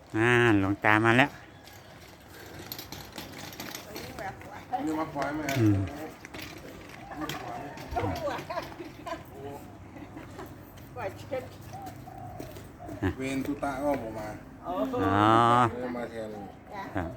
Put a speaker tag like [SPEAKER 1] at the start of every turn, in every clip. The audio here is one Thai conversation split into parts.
[SPEAKER 1] หลวงตามาแล้ว
[SPEAKER 2] นี่มาควายไหมเวนตุตะก็ผมมา
[SPEAKER 1] อ๋อ
[SPEAKER 2] มาแทน
[SPEAKER 1] ครับ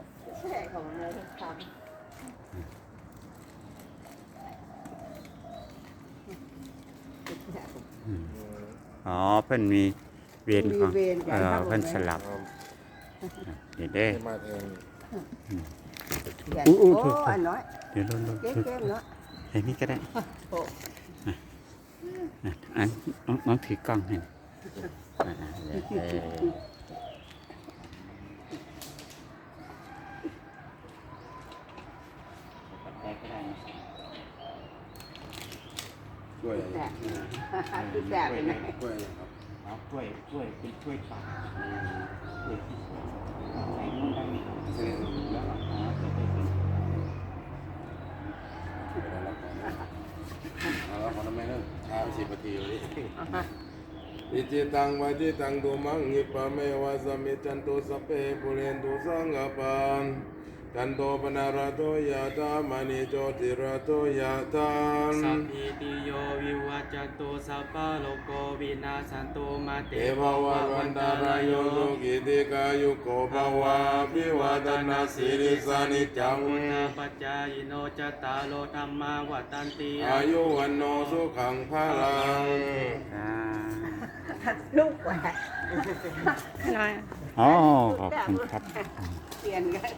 [SPEAKER 1] อ๋อเพิ่นมีเวรของเพิ่นสลับเดี๋ยวได้
[SPEAKER 2] มาแทน
[SPEAKER 1] อู้
[SPEAKER 3] โอ้
[SPEAKER 1] ถูก
[SPEAKER 3] อันน้อย
[SPEAKER 1] เดี๋ยวลง
[SPEAKER 3] เก๊กๆเนาะ
[SPEAKER 1] ไอ้นี่ก็ได้อันน้องถือกล้องให้
[SPEAKER 2] ช่วย
[SPEAKER 3] แสบเป็นไง
[SPEAKER 2] ช่วยครับ
[SPEAKER 1] เอาช่วยเป็นช่วยปากช่วยที่ใส่นู่นได้ไหมแล้วจะได้เป็น
[SPEAKER 2] แล้วขอทำไมเนอะช้าไป10 นาทีเลยอิจิตังวาจิตังตุมังหิปะเมวะสมิจันตุสัพเพปุเรนตุสังกปานจันโตปนาราโตยะธามณีโจติราโตยะธา
[SPEAKER 4] สัพพิติโยวิวัจจันตุสัพพะโลกโควินาศสันตุมาเต
[SPEAKER 2] เอภวะวันตารายโยสุขิติกายุโกภวะภิวาทนาสิริสานิจัง
[SPEAKER 4] พุทธปัจจายโนจตตารโลธรรมาวัฏันติ
[SPEAKER 2] อายุวันโนสุขังพลัง
[SPEAKER 3] ลูกแหวก
[SPEAKER 1] อ๋อขอบคุณครับ
[SPEAKER 3] เปลี่ยนกัน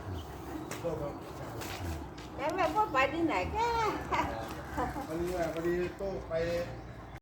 [SPEAKER 3] แต่แม่พ่อไปที่ไหนแก
[SPEAKER 2] พอดีโต้ไป